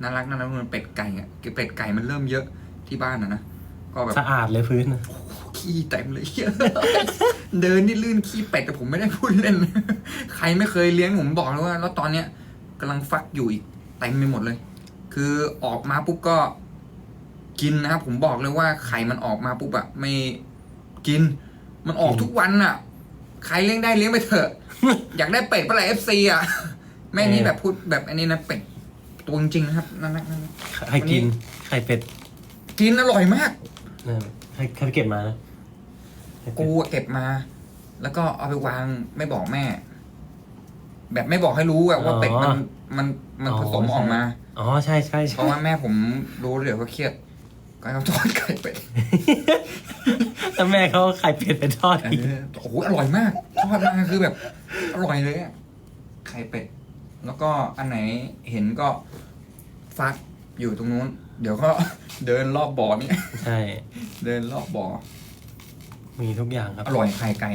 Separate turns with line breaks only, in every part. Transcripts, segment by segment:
น่ารักมันเป็ดไก่อะเป็ดไก่มันเริ่มเยอะที่บ้านนะก็แบบ
สะอาดเลยพื้น
ขี้เต็มเลยเดินนี่ลื่นขี้เป็ดแต่ผมไม่ได้พูดเล่นใครไม่เคยเลี้ยงผมบอกเลยว่าแล้วตอนเนี้ยกำลังฟักอยู่อีกเต็มไปหมดเลยคือออกมาปุ๊บก็กินนะครับผมบอกเลยว่าไข่มันออกมาปุ๊บอะไม่กินมันออกทุกวันอะใครเลี้ยงได้เลี้ยงไปเถอะ อยากได้เป็ดปะไรFC อะแม่นี้แบบพูดแบบอันนี้นะเป็ดตัวจริงๆนะครับนั่น
ใครกินไข่เป็ด
กินอร่อยมาก
ใครเก็บมานะ
กูเก็บมา แล้วก็เอาไปวางไม่บอกแม่ แบบไม่บอกให้รู้อะว่าเป็ดมันผสมออกมา
อ๋อใช่
เพราะว่าแม่ผมรู้เดี๋ยวเขาเครียดก็เขาทอดไข่เป็ด
แล้วแม่เขาไข่เป็ดไปทอดอีก
โอ้โหอร่อยมากทอดมาคือแบบอร่อยเลยอะไข่เป็ดแล้วก็อันไหนเห็นก็ฟักอยู่ตรงนู้นเดี๋ยวก็เดินรอบบ่อนี่
ใช่
เดินรอบบ่อ
มีทุกอย่างครับ
อร่อยไข่ไก่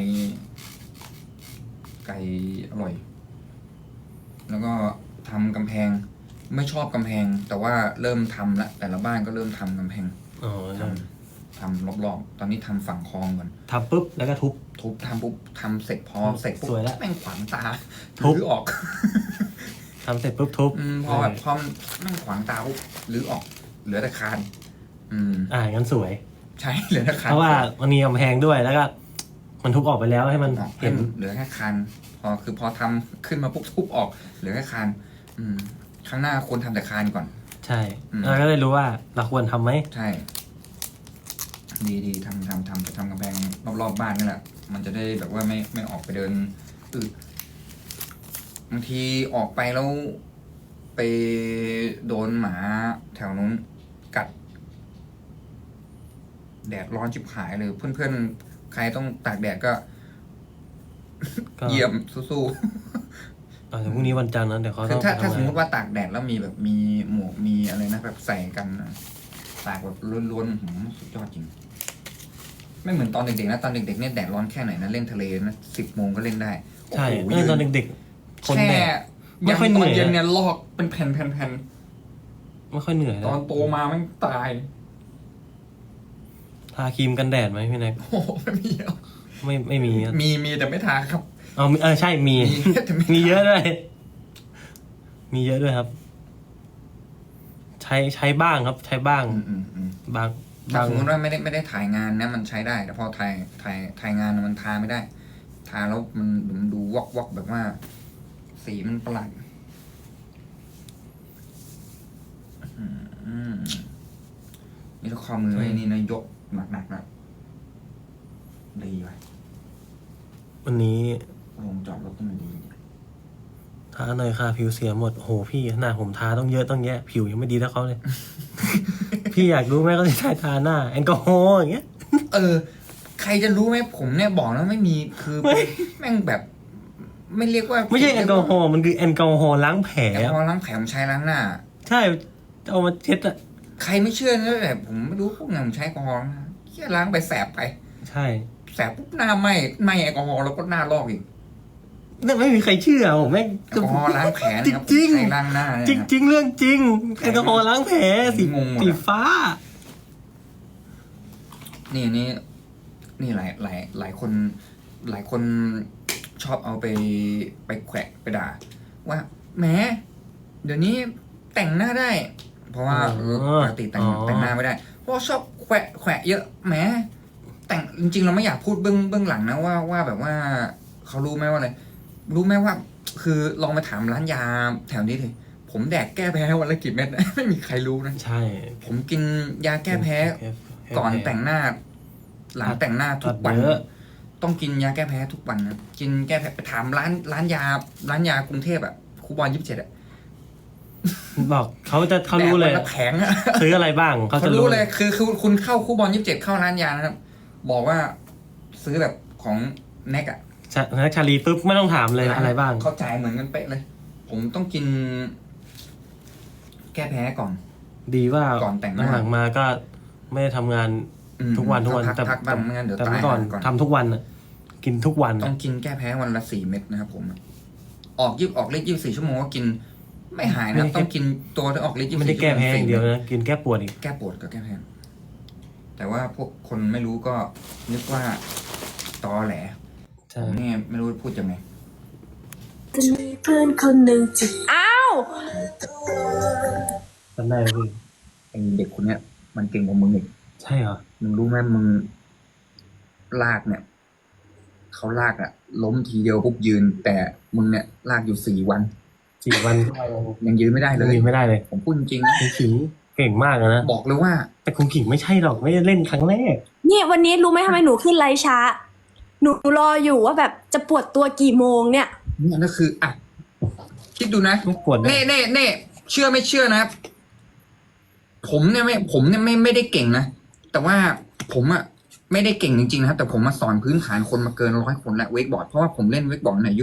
อร่อยแล้วก็ทำกำแพงไม่ชอบกำแพงแต่ว่าเริ่มทำละแต่ละบ้านก็เริ่มทำกำแพงทำรอบๆตอนนี้ทำฝั่งคลองก่อน
ทำปุ๊บแล้วก็ทุบ
ทำปุ๊บทำเสร็จพอเสร็จปุ๊บแม่งขวางตา
ทุบ
ออก
ทำเสร็จปุ๊บทุบ
พอแบบพอแม่งขวางตาปุ๊บหรือออกเหลือแต่คาน
งั้นสวย
ใช่เหลือแต่คาน
เพราะว่ามันมีกำแพงด้วยแล้วก็มันทุบออกไปแล้วให้มัน
เห็นเหลือแค่คานพอทำขึ้นมาปุ๊บทุบออกเหลือแค่คานข้างหน้าควรทำแต่คานก่อน
ใช่แล้วก็เลยรู้ว่าเราควรทำไหม
ใช่ดีทำกำแพงรอบๆบ้านนี่แหละมันจะได้แบบว่าไม่ออกไปเดินบางทีออกไปแล้วไปโดนหมาแถวนู้นกัดแดดร้อนชิบหายเลยเพื่อนๆใครต้องตากแดดก็เยี่ยมสู้
ๆพรุ่งนี้วันจันทร์นะเดี๋ยวเขาต้อง
ถ้าสมมติว่าตากแดดแล้วมีแบบมีหมวกมีอะไรนะแบบใส่กันตากแบบล้วนๆสุดยอดจริงไม่เหมือนตอนเด็กๆนะตอนเด็กๆเนี่ยแดดร้อนแค่ไหนนะเล่นทะเลนะ10 โมงก็เล่นได้
ใช่ตอนเด็กๆ
คนแดดไม่ค่อยเหนื่อยเย็นเนี่ยลอกเป็นแผ่น
ไม่ค่อยเหนื่อย
ตอนโตมามันตาย
ทาครีมกันแดดไหมพี่แน็ก
โอ้ไม่มี
ไม่
มีแต่ไม่ทาครับ
ใช่มีเยอะด้วยมีเยอะด้วยครับ ใช้บ้างครับใช้บ้างบาง
สมมติว่าไม่ได้ถ่ายงานนะมันใช้ได้แต่พอถ่ายงานมันทาไม่ได้ทาแล้วมันดูวอกแบบว่าสีมันประหลาดนี่ถ้าข้อมือไว้นี่นะยกหนักนะดีไป
วันนี้
ลงจอดรถต้องดี
ทาหน่อยค่ะผิวเสียหมดโอ้โหพี่หน้าผมทาต้องเยอะต้องแยะผิวยังไม่ดีเท่าเขาเลย พี่อยากรู้ไหมเขาจะทาหน้าแอลกอฮอล์อย่างเงี้ย
ใครจะรู้ไหมผมเนี่ยบอกแล้วไม่มีคือแม่งแบบไม่เรียกว่า
ไม่ใช่แอลกอฮอล์มันคือแอลกอฮอล์ล้างแผล
แอลกอฮอล์ล้างแผลผมใช้ล้างหน้า
ใช่เอามาเช็ดอะ
ใครไม่เชื่อนะแบบผมไม่รู้พวกนั้นผมใช้แอลกอฮอล์แค่ล้างไปแสบไป
ใช่
แสบปุ๊บหน้าไหม้แอลกอฮอล์แล้วก็หน้าลอกอีก
นั่นไม่มีใครเชื่อผมแม่ง
แอลกอฮอล์ล้างแผลนะครับจริงล้างหน้า
จริงเรื่องจริงแอลกอฮอล์ล้างแผลสีฟ้า
นี่หลายคนชอบเอาไปแขวะไปด่าว่าแหมเดี๋ยวนี้แต่งหน้าได้เพราะว่าปกติแต่งหน้าไม่ได้เพราะชอบแขวะเยอะแหมแต่งจริงๆเราไม่อยากพูดเบื้องหลังนะว่าแบบว่าเขารู้ไหมว่าอะไรรู้ไหมว่าคือลองไปถามร้านยาแถวนี้เลยผมแดกแก้แพ้วันละกี่เม็ดไม่มีใครรู้นะ
ใช่
ผมกินยาแก้แพ้ก่อนแต่งหน้าหลังแต่งหน้าทุกวันต้องกินยาแก้แพ้ทุกวันนะกินแก้แพ้ไปถามร้านยากรุงเทพอ่ะครูบอล27อ่ะ
บอกเขารู้เลย
แผงอะ
ซื้ออะไรบ้าง
เขาจะรู้เลยคือคุณเข้าครูบอล27เข้าร้านยานะครับบอกว่าซื้อแบบของแน็กอ่ะ
แน็กชาลีปุ๊บไม่ต้องถามเลยอะไรบ้าง
เขาจ่ายเหมือนกันเป๊ะเลยผมต้องกินแก้แพ้ก่อน
ดีว่า
ก่อนแต่งหน้า
หลังมาก็ไม่ได้ทำงานทุกวันแต่เมื่อก่อนทำทุกวันกินทุกวัน
ต้องกินแก้แพ้วันละ4 เม็ดนะครับผมออกเลข24 ชั่วโมงก็กินไม่หายนะต้องกินตัวที่ออกฤทธิ์
ไม่ได้แก้แพ้อย่างเดียวนะกินแก้ปวดอีก
แก้ปวดก็แก้แพ้แต่ว่าพวกคนไม่รู้ก็นึกว่าตอแหล
ใช่
ผมเนี่ยไม่รู้พูดยังไง
จะมีเพื่อนคนหนึ่งจะอ้าว
จำได้ไหมพี่
ไอเด็กคนเนี้ยมันเก่งกว่ามึงอีก
ใช่เหรอ
มึงรู้ไหมมึงลากเนี่ยเขาลากอะล้มทีเดียวปุ๊บยืน แต่มึงเนี่ยลากอยู่4 วัน
4 วัน
ยังยืนไม่ได้เลย
ยืนไม่ได้เลย
ผมพูดจริงๆนะ
คุณขิงเก่งมากเลยนะ
บอกเลยว่า
แต่คุณขิงไม่ใช่หรอกไม่ได้เล่นครั้งแรก
เนี่ยวันนี้รู้ไหมทำไมหนูขึ้นไลฟ์ช้า หนูรออยู่ว่าแบบจะปวดตัวกี่โมงเนี่ย
เนี่ยก็คืออ่ะคิดดูนะ
ไม่ปวดเลย
เน่เชื่อไม่เชื่อนะครับผมเนี่ยไม่ได้เก่งนะแต่ว่าผมอะไม่ได้เก่งจริงๆนะครับแต่ผมมาสอนพื้นฐานคนมาเกิน100 คนแล้วเวกบอร์ดเพราะว่าผมเล่นเวกบอร์ดในอายุ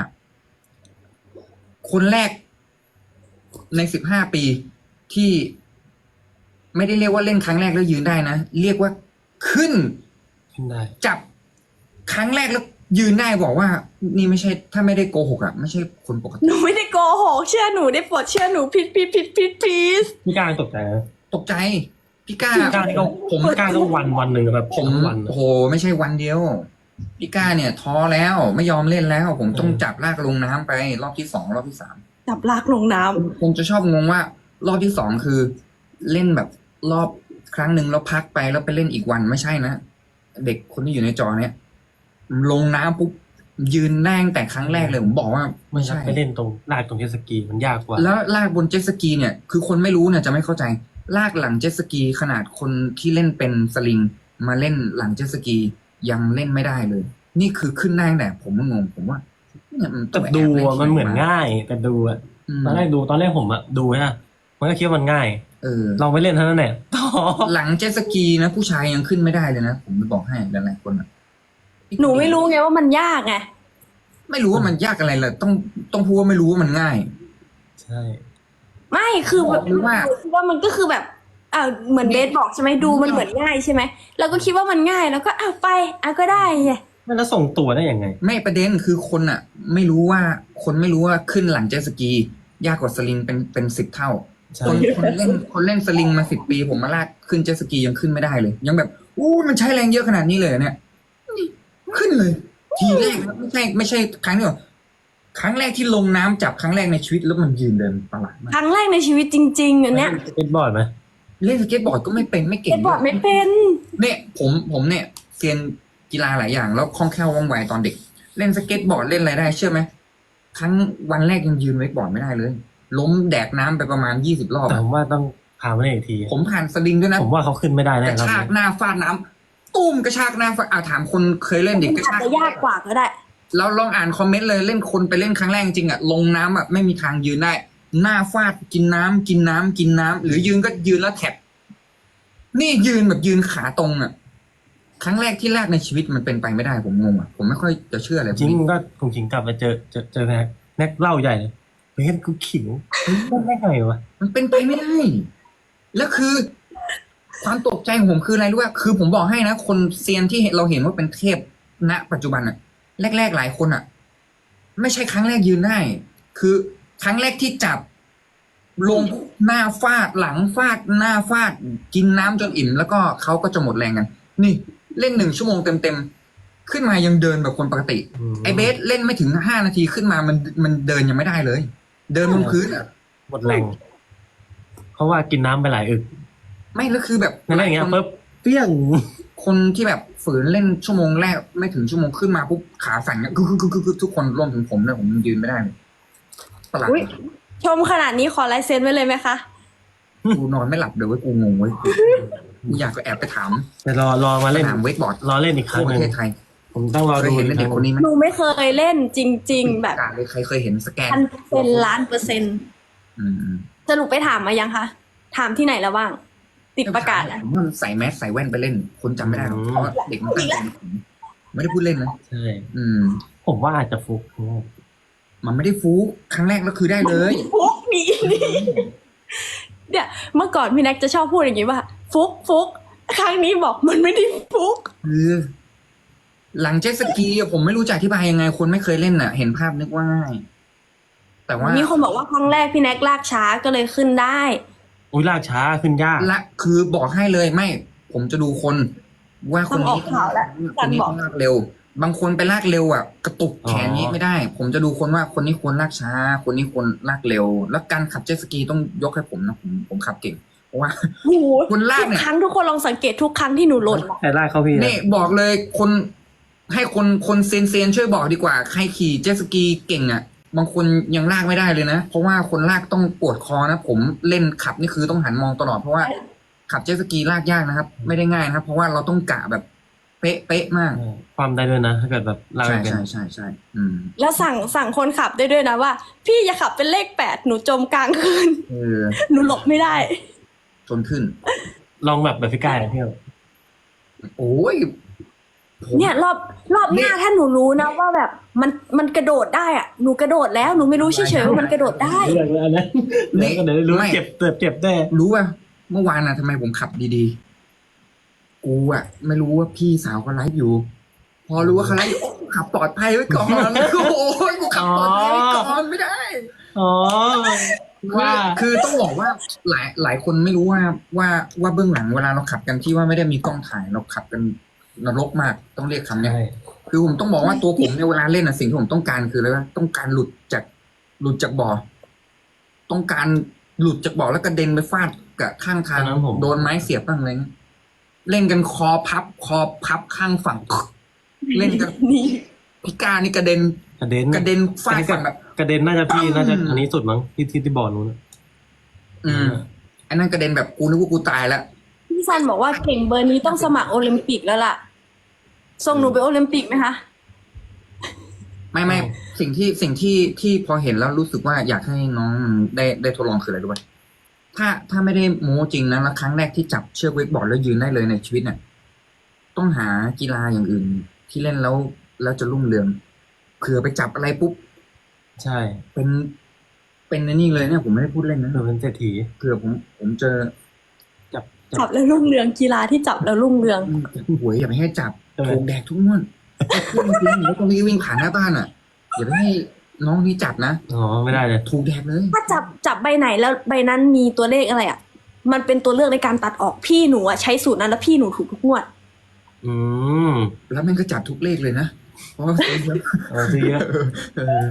15 คนแรกใน15 ปีที่ไม่ได้เรียกว่าเล่นครั้งแรกแล้วยืนได้นะเรียกว่าขึ้น
ขึ้นได้
จับครั้งแรกแล้วยืนได้บอกว่า นี่ไม่ใช่ ถ้าไม่ได้โกหกอะไม่ใช่คนปก
ห
ติ
นูไม่ได้โกหกเชื่อหนูได้โปวดเชื่อหนูพิด
พี่การตกใจนะ
ตกใจพี่ก้า
พี่การนี่ก็
ผม
พี่การต้องวันหนึ่งแบบ
ผม
ทั้งวัน
โอ้โหไม่ใช่วันเดียวพี่ก้าเนี่ยท้อแล้วไม่ยอมเล่นแล้ว ผมต้องจับลากลงน้ำไปรอบที่2 รอบที่3
จับลากลงน้ำ
ผมจะชอบงงว่า รอบที่2คือ เล่นแบบรอบครั้งหนึ่งแล้วพักไปแล้วไปเล่นอีกวันไม่ใช่นะเด็กคนที่อยู่ในจอเนี่ยลงน้ำปุ๊บยืนนั่งแต่ครั้งแรกเลยผมบอกว่า
ไม่
ไม่
ใช่
ใช่
ไปเล่นตรงลากตรงเจตสกีมันยากกว่า
แล้วลากบนเจ็ตสกีเนี่ย คือคนไม่รู้เนี่ยจะไม่เข้าใจ ลากหลังเจ็ตสกีขนาดคนที่เล่นเป็นสลิง มาเล่นหลังเจ็ตสกียังเล่นไม่ได้เลย นี่คือขึ้นได้แต่ผมก็งงผมว่าเนี่ยมัน
แต่ดูอะมันเหมือนง่ายแต่ดูอะ
อืม
ตอนแรกผมอะดูฮะมันก็คิดว่ามันง่าย
เออ
ลองไปเล่นเท่านั้นแหละต่อ
หลังเจ็ตสกีนะผู้ชายยังขึ้นไม่ได้เลยนะผมจะบอกให้หลายๆคนอะ
หนูไม่รู้ไงว่ามันยากไง
ไม่รู้ว่ามันยากอะไรเลยต้องพูดว่าไม่รู้ว่ามันง่าย
ใช่
ไม่คือแบบ
หรือว่า
หนูคิดว่ามันก็คือแบบเหมือนเบสบอกใช่ไหมดูมันเหมือนง่ายใช่ไหมเราก็คิดว่ามันง่ายแล้วก็ไปก็ได้ไง
แล้วส่งตัวได้ยังไง
ไม่ประเด็นคือคนอ่ะ ไม่รู้ว่าขึ้นหลังเจ็ตสกี ยากกว่าสลิงเป็น10 เท่า
ใช่
คนเล่นสลิงมา10 ปี ผมมาลากขึ้นเจ็ตสกียังขึ้นไม่ได้เลย ยังแบบมันใช้แรงเยอะขนาดนี้เลยเหรอเนี่ยนี่ขึ้นเลย ทีแรกนะไม่ใช่ครั้งเดียวครั้งแรกที่ลงน้ำจับครั้งแรกในชีวิตแล้วมันยืนเดินประหลาดมาก
ครั้งแรกในชีวิตจริงๆอันเนี้ย
สเก็ตบอร์ดไหม
เล่นสเก็ตบอร์ดก็ไม่เป็นไม่
เบ
เก่ง
สบอกไม่เป็น
เนี่ยผมเนี่ยเซียนกีฬาหลายอย่างแล้วคล่องแคล่วว่องไวตอนเด็ก เล่นสเก็ตบอร์ดเล่นอะไรได้เชื่อไหมวันแรกยังยืนเวกบอร์ดไม่ได้เลย ล้มแดกน้ำไปประมาณ20 รอบ
แต่
อะ
ผมว่าต้องพามาเล่นอีกที
ผมผ่านสลิงด้วยนะ
ผมว่าเขาขึ้นไม่ได้
ก
แน่
ระ
ครับ
ชากหน้าฟาดน้ำตุ้มกระชากหน้าฟาดถามคนเคยเล่นเด็กกระ
อาจ
ชาก
จะยากกว่าก็ได้
แล้วลองอ่านคอมเมนต์เลยเล่นคนไปเล่นครั้งแรกจริงอ่ะลงน้ำอ่ะไม่มีทางยืนได้ หน้าฟาดกินน้ำหรือยืนก็ยืนแล้วแท็บนี่ยืนแบบยืนขาตรงอ่ะ ครั้งแรกที่แรกในชีวิตมันเป็นไปไม่ได้ผมงงอ่ะผมไม่ค่อยจะเชื่ออะไรพว
จริ
ก
ง
นี้
มันก็คงขิงกลับมาเจอแน็กเล่าใหญ่เลยเฮ้ยกูขิงมันได้ไงวะ
มันเป็นไปไม่ได้ แล้วคือ ความตกใจของผมคืออะไรรู้ป่ะคือผมบอกให้นะคนเซียนที่เราเห็นว่าเป็นเทพณปัจจุบันอ่ะ แรกๆหลายคนอ่ะ ไม่ใช่ครั้งแรกยืนได้ คือครั้งแรกที่จับ ลงหน้าฟาดหลังฟาดหน้าฟาด กินน้ำจนอิ่ม แล้วก็เขาก็จะหมดแรงกัน นี่เล่น1 ชั่วโมงเต็มๆขึ้นมายังเดินแบบคนปกติ ไอเบสเล่นไม่ถึง5 นาทีขึ้นมามันเดินยังไม่ได้เลย เดินบนพื้นอ่ะ
หมดแรงเพราะว่ากินน้ำไปหลายอึก
ไม่แล้วคือแบบ
นั่นอย่างเงี้ยปุ๊บเปี้ยง
คนที่แบบฝืนเล่นชั่วโมงแรกไม่ถึงชั่วโมงขึ้นมาปุ๊บขาสั่นเนี่ยคือทุกคนรวมถึงผมเลยผมยืนไม่ได้เลยประหลาด
อุ๊ย ชมขนาดนี้ขอลายเซ็นไว้เลยไหมคะ
กูนอนไม่หลับเดี๋ยวเว้ยกูงงเว้ยกูอยากจะแอบไปถาม
แต่รอมาเล่น
ถามเวกบอร์ด
รอเล่นอีกครั้
ทั่
ง
วป
หนึ่ง
ระเทศไทย
ผมต้องรอ
เค
ดู
ยเห็นเด็กคนนี้ไหม
หนูไม่เคยเล่นจริง ๆ แบบ
กาเลยใครเคยเห็นสแกน
1,000%ล้านเปอร์เซ็นต์
อืม
สรุปไปถามมายังคะ ถามที่ไหนแล้วบ้าง ติดประกาศอะ
ผมว่ามันใส่แมสใส่แว่นไปเล่น คนจำไม่ได้หรอกเพราะว่าเด็กมันตั้งใจไม่ได้พูดเล่นนะ
ใช่
อืม
ผมว่าอาจจะฟุก
มันไม่ได้ฟูกครั้งแรกแล้วคือได้เลย
ฟุกนี่เนี่ยเมื่อก่อนพี่แน็กจะชอบพูดอย่างนี้ว่า ฟุกครั้งนี้บอกมันไม่ได้ฟุก
คือหลังเจ็ตสกีอะผมไม่รู้จะอธิบายยังไง คนไม่เคยเล่นอ่ะ เห็นภาพนึกว่าง่าย แต่แต่ว่า
มีคนบอกว่าครั้งแรกพี่แน็กลากช้าก็เลยขึ้นได้
อุ้ยลากช้าขึ้นยาก
ละคือบอกให้เลยไม่ ผมจะดูคนว่าคนนี้
ต้องออกข่าวแล้ว
คนนี้
บอก
ต้องลากเร็ว บางคนไปลากเร็วอ่ะกระตุกแขนนี้ไม่ได้ ผมจะดูคนว่าคนนี้ควรลากช้า คนนี้ควรลากเร็ว แล้วการขับเจ็ตสกีต้องยกให้ผมนะผมขับเก่งเพราะว่า
โอ้โห
คนลาก
ทุ
เนี่
ก
ย
ครั้งทุกคนลองสังเกตทุกครั้งที่หนูหล่น
ใครลากเข้าพี่นะ
นี่บอกเลยคนให้คนเซียนช่วยบอกดีกว่า ใครขี่เจ็ตสกีเก่งอ่ะ บางคนยังลากไม่ได้เลยนะ เพราะว่าคนลากต้องปวดคอนะ ผมเล่นขับนี่คือต้องหันมองตลอดเพราะว่าขับเจ็ตสกีลากยากนะครับ ไม่ได้ง่ายนะครับ เพราะว่าเราต้องกะแบบเป๊ะมาก
ความได้ด้วยนะถ้าเกิดแบบลาก
ใช่
ไม่เป็น
ใช่อืม
แล้วสั่งคนขับได้ด้วยนะว่า พี่อย่าขับเป็นเลข 8หนูจมกลางคืน
เออ
หนูหลบไม่ได้
จนขึ้น
ลองแบบพี่กายพี่
โอ้ยผม
เนี่ยรอบหน้าถ้าหนูรู้นะว่าแบบมันกระโดดได้อะหนูกระโดดแล้วหนูไม่รู้เฉยๆว่ามันกระโดดได้
เรื่องอันนั้นเดี๋ยวก็เดี๋ยวรู้ว่าเจ็บแน่
รู้ป่ะเมื่อวานน่ะทำไมผมขับดีๆ กูอ่ะ ไม่รู้ว่าพี่สาวเขาไลฟ์อยู่ พอรู้ว่าเขาไลฟ์อยู่โอ้กูขับปลอดภัยไว้ก่อนโอ้ยกูขับปลอดภัยไว้ก่อนไม่ได้
อ๋อว่า
คือต้องบอกว่าหลายคนไม่รู้ว่าเบื้องหลังเวลาเราขับกันที่ว่าไม่ได้มีกล้องถ่ายเราขับกันนรกมากต้องเรียกคำเนี้ย
ใช่
คือผมต้องบอกว่าตัวผมในยเวลาเล่นนะสิ่งที่ผมต้องการคืออะไรวะต้องการหลุดจากบ่อต้องการหลุดจากบ่อแล้วกระเด็นไปฟาดกับข้างทางโดนไม้เสียบบ้างอะไรเงี้ยเล่นกันคอพับข้างฝั่ง เล่นกัน
นี่
พิการนี่กระเด็น
กระเด็น
ฟาดฝั่งแบบ
กระเด็นน่าจะพี่น่าจะอันนี้สุดมั้งที่บ่อนู้น
ไอ้นั่นกระเด็นแบบกูนึกว่ากูตายแล้ว
พี่ซันบอกว่าเก่งเบอร์นี้ต้องสมัครโอลิมปิกแล้วล่ะ ส่งหนูไปโอลิมปิกไหมคะ
ไม่สิ่งที่พอเห็นแล้วรู้สึกว่าอยากให้น้องได้ทดลองคืออะไรรู้ป่ะถ้าไม่ได้โม้จริงนะแล้วครั้งแรกที่จับเชือกเวกบอร์ดแล้วยืนได้เลยในชีวิตเนี่ยต้องหากีฬาอย่างอื่น ที่เล่นแล้วจะรุ่งเรืองเผื่อไปจับอะไรปุ๊บ
ใช่
เป็นในนี่เลยเนี่ยผมไม่ได้พูดเล่นนะ
เราเป็นเศรษฐี
เผื่อผมเจอ
จับแล้วรุ่งเรืองกีฬาที่จับแล้วรุ่งเรือง
หวยอย่าไปให้จับถูกแดกทุกงวดพูดจริงๆแล้วตรงนี้วิ่งผ่านหน้าบ้านอ่ะอย่าไปให้น้องนี่จับนะ
อ๋อไม่ได้เลย
ถูกแดกเลย
ถ้าจับใบไหนแล้วใบนั้นมีตัวเลขอะไรอ่ะ มันเป็นตัวเลือกในการตัดออกพี่หนูอ่ะใช้สูตรนั้นแล้วพี่หนูถูกทุกงวด
อืม
แล้วมันก็จับทุกเลขเลยนะเพราะว่าซื้อเยอะ
เอาซื้อเยอะ
เออ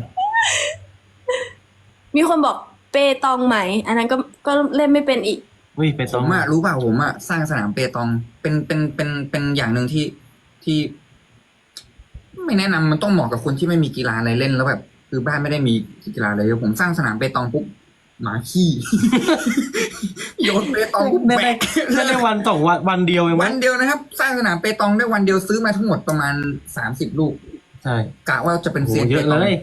มีคนบอกเปตองไหม อันนั้นก็เล่นไม่เป็นอีก
วิ่งไป
ผ
ต้อง
มอะรู้เปล่าผมอะสร้างสนามเปตองเป็นอย่างหนึ่งที่ ไม่แนะนำมันต้องเหมาะกับคนที่ไม่มีกีฬาอะไรเล่นแล้วแบบคือบ้านไม่ได้มีกีฬาอะไรเลยผมสร้างสนามเปตองปุ๊บหมาขี้ โยนเปตองปุ๊บแบก
ได้วันสองวันเดียวเองมั้
วั
ย
นเดียวนะครับ สร้างสนามเปตองได้วันเดียวซื้อมาทั้งหมดประมาณ30 ลูก
ใช่
กะว่าจะเป็น
โห
เซียน
เย
เป
อะ
ตอง
เลย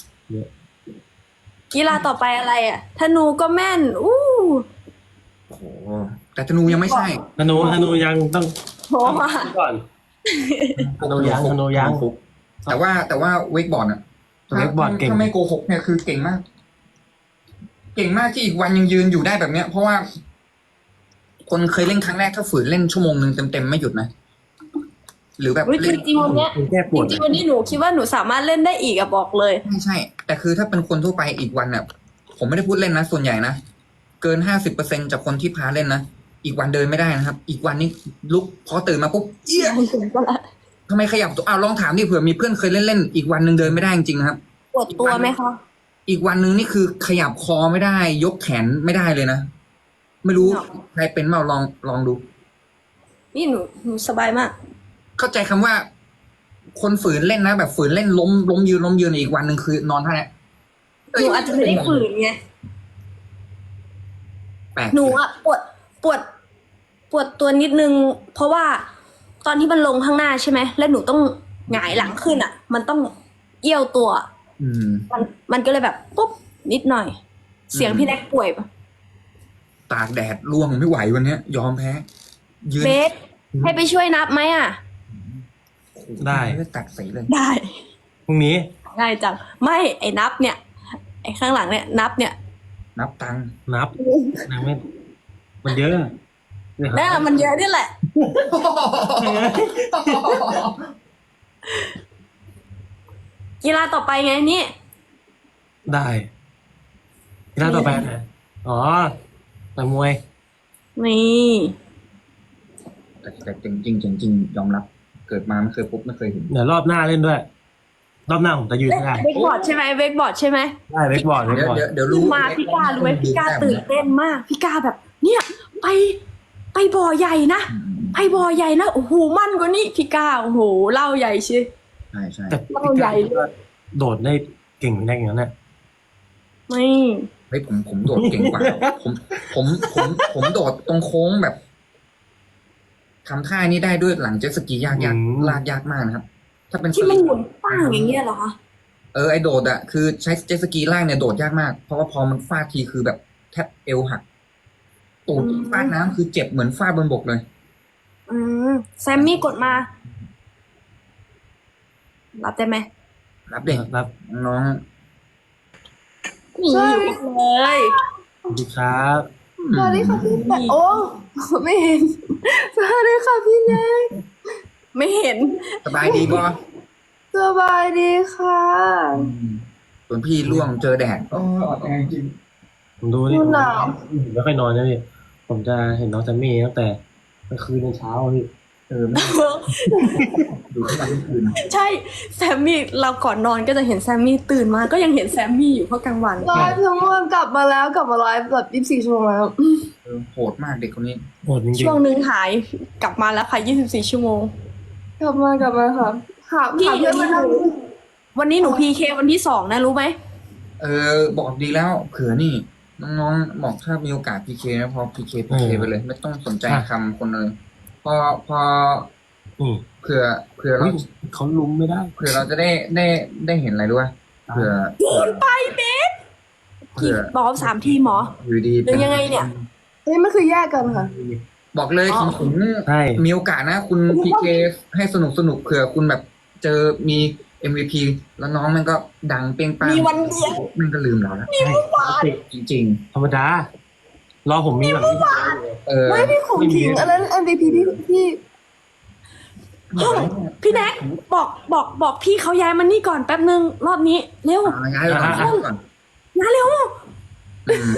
กีฬาต่อไปอะไรอ่ะธนูก็แม่น อู้
โอ้โหแต่ธนูยังไม่ใช่
ธนูยังต้อง
โห
ก่อนธนูยัง
แต่ว่าเวกบอร์ดอะ
เวกบอร์ดเก่ง
ถ้าไม่โกหกเนี่ยคือเก่งมาก เก่งมากที่อีกวันยังยืนอยู่ได้แบบเนี้ย เพราะว่า คนเคยเล่นครั้งแรกถ้าฝืนเล่นชั่วโมงหนึ่งเต็มๆไม่หยุดนะ หรือแบบ
เฮ้ยจ
เล่น
ริงๆวันเนี้ย
แก้ป
จ
วด
ริงๆวันนี้หนูคิดว่าหนูสามารถเล่นได้อีกอะบอกเลย
ไม่ใช่ แต่คือถ้าเป็นคนทั่วไปอีกวันเนี่ยผมไม่ได้พูดเล่นนะส่วนใหญ่นะเกิน50%จากคนที่พาเล่นนะอีกวันเดินไม่ได้นะครับ อีกวันนี้ลุกพอตื่นมาปุ๊บเอี้ยทำไมขยับตัวลองถามดิเผื่อมีเพื่อนเคยเล่นอีกวันหนึ่งเดินไม่ได้จริงๆนะครับ
ปวดตัวไหมคะ
อีกวันหนึ่งนี่คือขยับคอไม่ได้ ยกแขนไม่ได้เลยนะไม่รู้ใครเป็นเปล่าลองดู
นี่หนูสบายมาก
เข้าใจคำว่า คนฝืนเล่นนะแบบฝืนเล่นล้มยืนอีกวันหนึ่งคือนอนท่าเนี้ย
หนูอาจจะไม่ได้ฝืนไง
แปลก
หนูอะปวดตัวนิดนึง เพราะว่าตอนที่มันลงข้างหน้าใช่ไหมแล้วหนูต้องหงายหลังขึ้นอะมันต้องเอี้ยวตัว
อืม
มันก็เลยแบบปุ๊บนิดหน่อย เสียงพี่แน็กป่วยปะ
ตากแดดร่วงไม่ไหววันเนี้ย ยอมแพ้ ยืน
เบสให้ไปช่วยนับไหมอะ
ได้
ไม่ตัดสีเลย
ได้
พรุ่งนี้
ง่ายจังไม่ไอ้นับเนี่ย ไอ้ข้างหลังเนี่ยนับเนี่ย
นับตังค์
นับไม่มันเยอะ
น่ามันเยอะนี่แหละ กีฬาต่อไปไงนี่
ได้กีฬาต่อไปนะอ๋อต่อยมวย
นี่
แต่จริงยอมรับ เกิดมาไม่เคยพบไม่เคยเห็น
เดี๋ยวรอบหน้าเล่นด้วย รอบหน้าผมจะยืนไม่ได้
เวกบอร์ดใช่ไหมเวกบอร์ดใช่ไหม
ได้เวกบอร์ดเวกบอร์ด
เดี๋ยว
รู้
รู้
มาพี่การู้ไหมพี่กาตื่นเต้นมาก พี่กาแบบ เนี่ย ไปบ่อใหญ่นะไปบ่อใหญ่นะโอ้โหมั่นกว่านี้พี่กาโอ้โหเล่าใหญ่ชิ
ใช่
แต่
เล่าใหญ่
โดดได้เก่งแน่อย่างนั้นน่ะ
ไม่
เฮ้ยผมโดดเก่งกว่าผมโดดตรงโค้งแบบทำท่านี้ได้ด้วยหลังเจ็ตสกียากลากยากมากนะครับ ถ้าเป็น
ที่มันหมุนป้างอย่างเงี้ยเหรอคะ
ไอโดดอะคือใช้เจ็ตสกีลากเนี่ยโดดยากมาก เพราะว่าพอมันฟาดทีคือแบบแทบเอวหักตูดฟาดน้ำคือเจ็บเหมือนฟาดบนบกเลย
อืมแซมมี่กดมา รับได้ไหม
รับเด็ก
รับ
น้อง
นี่อยู่เลย
สวัสดีครับ
สวัสดีค่ะพี่แน็กโอ้ไม่เห็นสวัสดีค่ะพี่แน็ก
ไม่เห็น
สบายดีบ่
สบายดีค่ะ
ส่วนพี่ร่วงเจอแดดอ่อนแอจริง
ผมดูนี่
ดูหนาว
ผมไม่ค่อยนอนนะพี่ผมจะเห็นน้องแซมมี่ตั้งแต่กลางคืนจนเช้าอะพี่
ไม่ดูทุกวันทุกคืน
ใช่แซมมี่เราก่อนนอนก็จะเห็นแซมมี่ตื่นมาก็ยังเห็นแซมมี่อยู่เพราะกลางวัน
ไลฟ์ทั้งวันกลับมาไลฟ์แบบ24 ชั่วโมงแล้ว
โหดมากเด็กคนนี้
โหดจริง
ช่วงหนึ่งหายกลับมาแล้วค่ะ24 ชั่วโมง
กลับมาค่ะหา
พี่
เพื่อนมานั่ง
วันนี้หนูพีเควันที่2นะรู้ไหม
บอกดีแล้วเผื่อนี่น้องๆบอกถ้ามีโอกาสพีเคนะพอพีเคไปเลย ไม่ต้องสนใจคำคนเลยพอ
ๆนี่
เผื่อ
เฮ้
เรา
ยเขาลุ้มไม่ได้
เผื่อเราจะได้เห็นอะไรด้วยเผื่อ
โดนไปเบส
เผื่อ
บอกว่า3 ทีมเหรอ
อยู่ดี
หรือยังไงเนี่ย
เฮ้ยมันคือแยกกันค่ะ
บอกเลย
อ๋อ
ผม
ใช่
มีโอกาสนะคุณพีเคให้สนุกเผื่อคุณแบบเจอมี MVP แล้วน้องมันก็ดังเปรี้ยงป้าง
มีวันเดียว
มันก็ลืมเราแล้ว
ใช่
จริง
ธรรมดา รอผมมีแบบนี้
ๆ
ไม่พี่ของถิงอันนั้น MVP พี่
พี่แน็กบอกพี่เขาย้ายมานี่ก่อนแป๊บนึงรอบนี้เร็ว
ย้ายก่อน
ย้ายเร็ว
อืม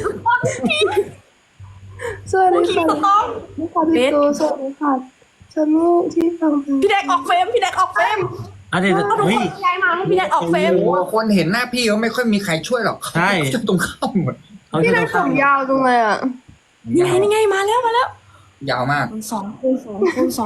สวัส
ผู้
ดี
ขี่
ค่ะ
ก็ต้อง
พี่ตูสวัสดีค่ะฉันนี่ที่ฟังเพลง
พี่แน็กออกเฟรมพี่แน็กออกเฟรม
อ่ะเดี๋ยว
เอาทุก
เฮ้
ค
ย
นย้ายมาให้พี่แน็กออกเฟรม
โอ้คนเห็นหน้าพี่เขาไม่ค่อยมีใครช่วยหรอก
ใช่
จะตรงข้ามหมด
เขา
พี่
จะ
แน็
ต้
ก
อง
ผมยาวจังเลยอ่ะ
นี่ไงมาแล้ว
ยาวมาก
คูณ 2คูณ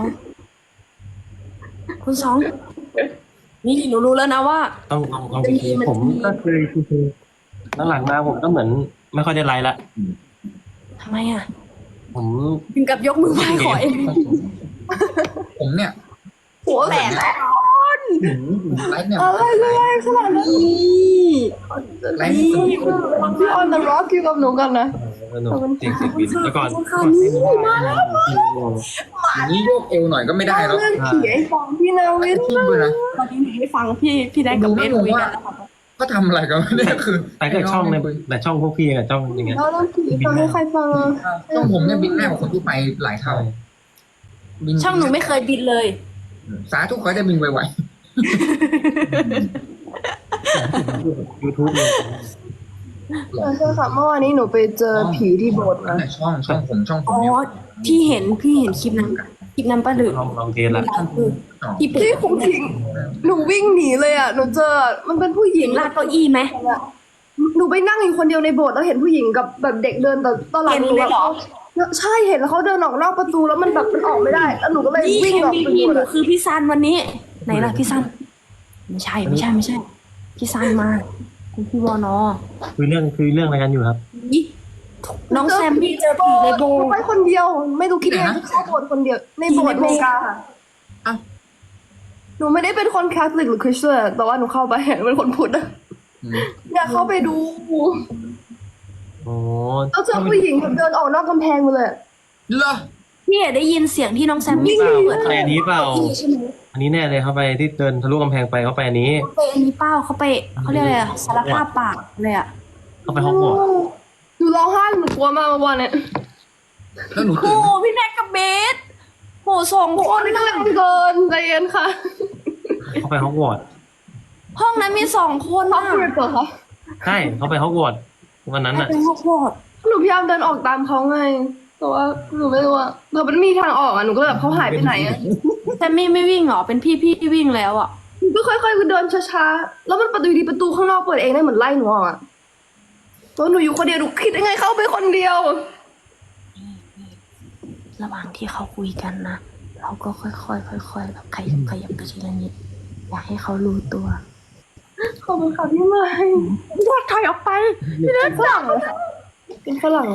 2คูณ 2นี่หนูรู้แล้วนะว่า
ต้องผมก็เคยคือหลังๆมาผมก็เหมือนไม่ค่อยได้ไลฟ์ละ
ทำไมอ่ะ
ผม
ถึงกับยกมือไหว้ขอเอง
ผมเนี่ย
หัวแหลม
ไลฟ์เนี่ย
อะไรขนาดนั้น
นี่
ไลฟ์สนุก
พี่ออนเดอะร็อกอยู่กับหนูกันนะ
สนุกจริงๆบินแล้วก่อน
อย่างนี้โยกเอวหน่อยก็ไม่ได้แล้ว
เรื่องผีไอ้ฟองพี่นาวิน
ทีมด้วยนะ
ตอนนี้หนูให้ฟังพี่แน็กกับเบสคุยกันแล้วค่ะ
ก็ทำอะไรกันเนี่ยคือ
แต่ก็ช่องในแต่ช่องพวกพี่กับช่องอย่างเงี้ย
เราต้องผีฟังให้ใครฟังอ่ะ
ต้องผมเนี่ยบินหน้ากว่าคนทั่วไปหลายเท่าบิน
ช่องหนูไม่เคยบินเลย
สาธุขอให้ได้บินไว
ยูทูบเลย
ๆหล
ใช่ค่ะเมื่อวานนี้หนูไปเจอผีที่โบสถ์
นั่
นะ
นแหละช่องผม
อ๋อ
เนี่ย
พี่เห็นคลิปนั้นป้าหรือ
ลองเทสละ
ที่เป็น
พี่คงทิ้งหนูวิ่งหนีเลยอ่ะหนูเจอมันเป็นผู้หญิง
ลากเก้าอี้ไหม
หนูไปนั่งอยู่คนเดียวในโบสถ์แล้วเห็นผู้หญิงกับแบบเด็กเดินแต่ตอนหลัง
เห็นเลยเหรอ
ใช่เห็นแล้วเขาเดินออกนอกประตูแล้วมันแบบมันออกไม่ได้ แล้วหนูก็เลย
นี่
วิ่งออก
พี่
ไป
ห
ดู
นูคือพี่ซันวันนี้ ไหนล่ะพี่ซันไม่ใช่พี่ซันมาคุณพี่วอนอ
คุยเรื่องอะไรกันอยู่ครับ
นี่น้องแซมพี่เจอผีในโบ
หนูไปคนเดียว ไม่รู้คิดยังไงที่เข้าโบสถ์คนเดียวในโบสถ์อเมริกาค่ะ
อ้าว
หนูไม่ได้เป็นคนแคทอลิกหรือคริสเตียนแต่ว่าหนูเข้าไปเป็นคนพุทธอะอยากเข้าไปดู
โอ้
แล้วเจอผู้หญิงแบบเดินออกนอกกำแพงมาเลย
เหรอ
พี่ได้ยินเสียงที่น้องแซมมี่
เปล่า
เปิด
ไปอันนี้เปล่า
ใช่ไหม
อันนี้แน่เลยเขาไปที่เดินทะลุกำแพงไปเขาไปอันนี้
ไปอันนี้เป้าเขาไปเขาเรียกอะไรอะสารภาพปากเลยอะ
เขาไปฮอกวอตส์
หนูร้องไห้หนูกลัวมากเมื่อวานเนี่ย
แล้วหนู
โอ้
ตื่นไหม
พี่แน็กกับเบสโหสองค
โอ้
น
ยน่ารักเกินใจเย็นค่ะ
เขาไปฮอกวอตส์
ห้องนั้นมี2 คน
ท็อ
อะ
ปกริปเหรอคะ
ใช่เขาไปฮอกวอตส์วันนั้น
ให้
อ่ะ
เป็นข้าวโพด
หนูพยายามเดินออกตามเขาไง แต่ว่าหนูไม่รู้อะแต่มันมีทางออกอะหนูก็แบบเขาหายไปไหนอะ
แต่ไม่วิ่งเหรอเป็นพี่วิ่งแล้วอ่ะ
หนูก็ค่อยๆเดินช้าๆ แล้วมันประตูอยู่ดีประตูข้างนอกเปิดเองได้เหมือนไล่หนูออกอะตัวหนูอยู่คนเดียวหนูคิดยังไงเข้าไปคนเดียว
ระหว่างที่เขาคุยกันนะเราก็ค่อยๆแบบขยับไปทีละนิดอยากให้เขารู้ตัว
ขอบคุณค่ะพี่ใหม่
อยากถอยออกไป
พี่เล็กฝรั่งเลยค่ะเป็นฝรั่งเลย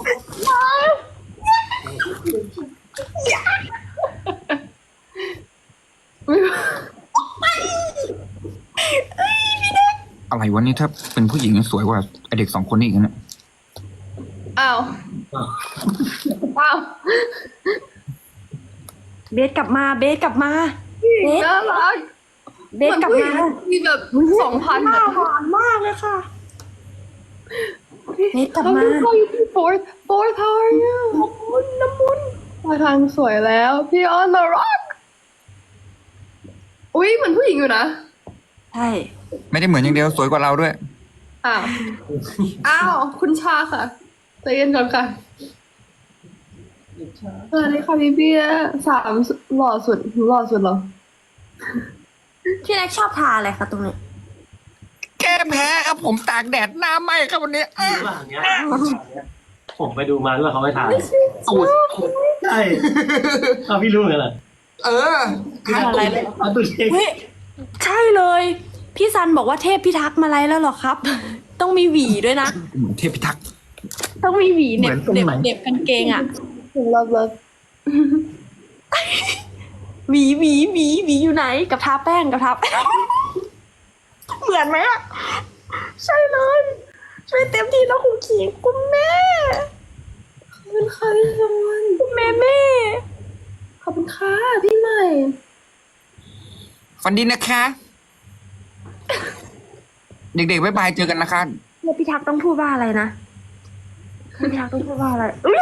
อะไรวะนี่ถ้าเป็นผู้หญิงสวยกว่าไอเด็ก2 คนนี้อีกนะ
อ้าวอ้าว
เบสกลับมาเบสกลับมา เบส
น่ารัก
เบสกลับมา
มีแบบ2,000
ห
อะ
วานมากเลยค่ะเบสกลับมา
fourth how are you น้ำมุนมาทางสวยแล้วพี่ออนมาร็อกอุ้ยเหมือนผู้หญิงอยู่นะ
ใช่
ไม่ได้เหมือนอย่างเดียวสวยกว่าเราด้วย
อ้าว อ้าว คุณชาค่ะใจเย็นก่อนค่ะสวัสดีค่ะพี่เบียร์3หล่อสุดหนูหล่อสุดเหรอ
พี่แน็กชอบทาอะไรคะตรงนี้
แก้แพ้ครับผมตากแดดหน้าไหม้ครับวันนี้
ว่าอย่างเงี้ยผมไปดูมาด้วยเขาไปถ่าย
ตูด
ใช่เอาพี่รู้เหมือนกันเหรอ
เออ
อะไรเลย
เอาตัวเอง
เฮ้ยใช่เลย พี่ซันบอกว่าเทพพิทักษ์มาไลฟ์แล้วเหรอครับ ต้องมีหวีด้วยนะ
เหมือนเทพพิทักษ์
ต้องมีหวีเหน็บ
เหมือนตรงไหน
เหน็บกางเกงอ่ะ
หนูเลิฟ
หวีอยู่ไหนกับทาแป้งกับทาแป้ง เหมือนไหมอ่ะ ใช่เลย ช่วยเต็มที่แล้วคุณขิงคุณแม่
ขอบคุณค่ะพี่ซัน
คุณแม่
ขอบคุณค่ะพี่ใหม่
ฝันดีนะคะ เด็กๆบ๊ายบายเจอกันนะคะ
เทพพิทักษ์ต้องพูดว่าอะไรนะเทพพิทักษ์ต้องพูดว่าอะไรอุ๊ย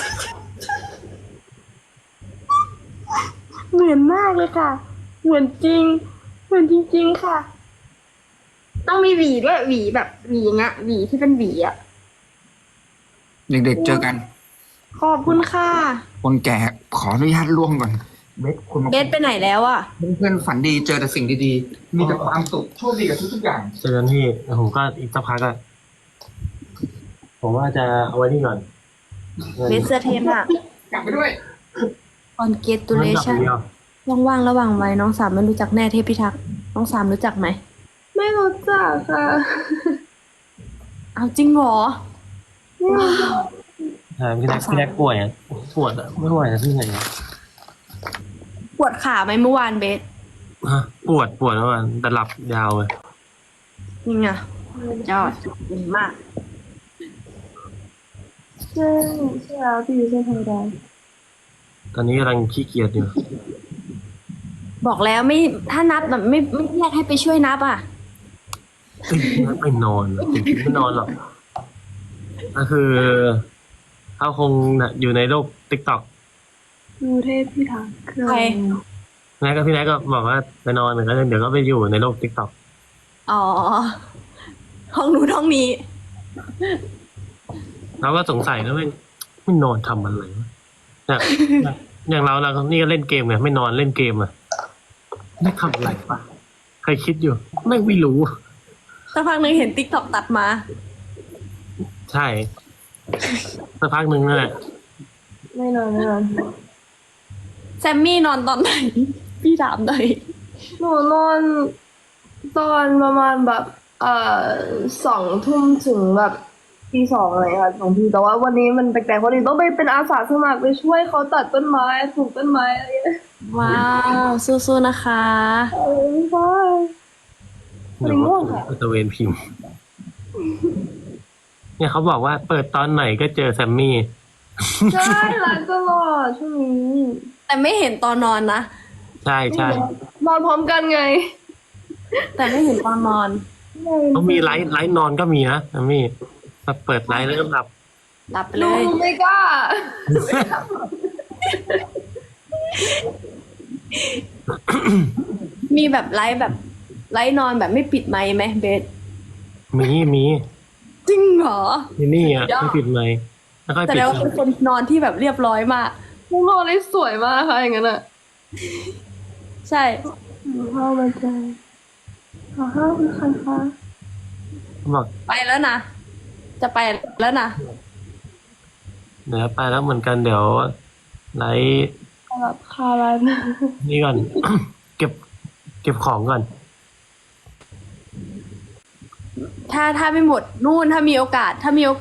เหมือนมากเลยค่ะ เหมือนจริง เหมือนจริงๆค่ะ ต้องมีหวีด้วยหวีแบบหวีอย่างเงี้ยหวีที่เป็นหวีอ่ะ
เด็กๆเจอกัน
ขอบคุณค่ะ
คนแก่ขออนุญาตล่วงก่อนเบสคุณมา
เบสไปไหนแล้วอ่ะ
เพื่อนๆฝันดีเจอแต่สิ่งดีๆ มีแต่ความสุขโชคดีกับทุกๆอย่าง
เจอกันที่ผมก็อีกสักพักอะผมว่าจะเอาไว้นี่ก่อน
เบสเสื้อเทมอ่ะ
กลับไปด้วย
congratulation ว่างๆระหว่างวัยน้องสามไม่รู้จักแน่เทพพิทักษ์น้องสามรู้จักไหม
ไม่รู้จักค่ะ
เอาจริงเหรอ
พี่แรกป่วยอะปวดอะไม่ไหวอะพี่ไหนอะ
ปวดขาไหมเมื่อวานเบส
ฮะปวดเมื่อวานแต่หลับยาวเลย
นี่ไงยอดดีมาก
ใช่แล้วพี่ใช่ธรรมดา
ตอนนี้กำลังขี้เกียจอยู่
บอกแล้วไม่ถ้านับแบบไม่แยกให้ไปช่วยนับอ่ะ
ไม่นอนอะจริงๆไม่นอนหรอกก็คือเขาคงน่ะอยู่ในโลกติ๊กต็อก
ดูเทพพี่ทักษ์
ใคร
พี่แนทก็บอกว่าไปนอนเหมือนกันเดี๋ยวก็ไปอยู่ในโลกติ๊กต็อก
อ๋อ ห้องนู้นห้องนี้
เราก็สงสัยนะไม่นอนทำอะไรวะอย่างเรานี่ก็เล่นเกมไงไม่นอนเล่นเกมอะไม่ทำอะไรปะใครคิดอยู่ไม่รู้
สักพักหนึ่งเห็นติ๊กต็อกตัดมา
ใช่สักพักหนึ่งนั่นแหละ
ไม่นอน
แซมมี่นอนตอนไหน พี่ถามหน่อย
หนูนอนตอนประมาณแบบ2 ทุ่มถึงแบบตี 2อะไรค่ะ2 ทีแต่ว่าวันนี้มันแปลกๆเพราะนี่ต้องไปเป็นอาสาสมัครไปช่วยเขาตัดต้นไม้ปลูกต้นไม้อะไรอย่างเงี้ย
ว้าวสู้ๆนะคะ
ใช่
เดี๋ยวว่าตะเวนพิมพ์ เนี่ยเขาบอกว่าเปิดตอนไหนก็เจอแซมมี่
ใช่ไลฟ์ตลอดช่วงนี้
แต่ไม่เห็นตอนนอนนะ
ใช่
นอนพร้อมกันไง
แต่ไม่เห็นตอนนอน
เขามีไลฟ์นอนก็มีนะแซมมี่แบบเปิดไลฟ์แล้วก็หลับ
หลับไป
ห
เล
นู
ย
ไม่กล้า
มีแบบไลฟ์นอนแบบไม่ปิดไมค์ไหมเบส
มี
จริงเหรอ
นี่นี่อ่ะไม่ปิดไมค์แล้วก็
แต่
ปิด
แล้วาเป็นคนนอนที่แบบเรียบร้อยมาก
มุงนอนได้สวยมากค่ะอย่างนั้นอ่ะ
ใช่
ข้าวมันใจข้าวคือใครคะ
บอก
ไปแล้วนะ จะไปแล้วนะ
เดี๋ยวไปแล้วเหมือนกันเดี๋ยวไลฟ์
แบบคารัน
นี่ก่อน เก็บของก่อน
ถ้าไม่หมดนู่นถ้ามีโอกาส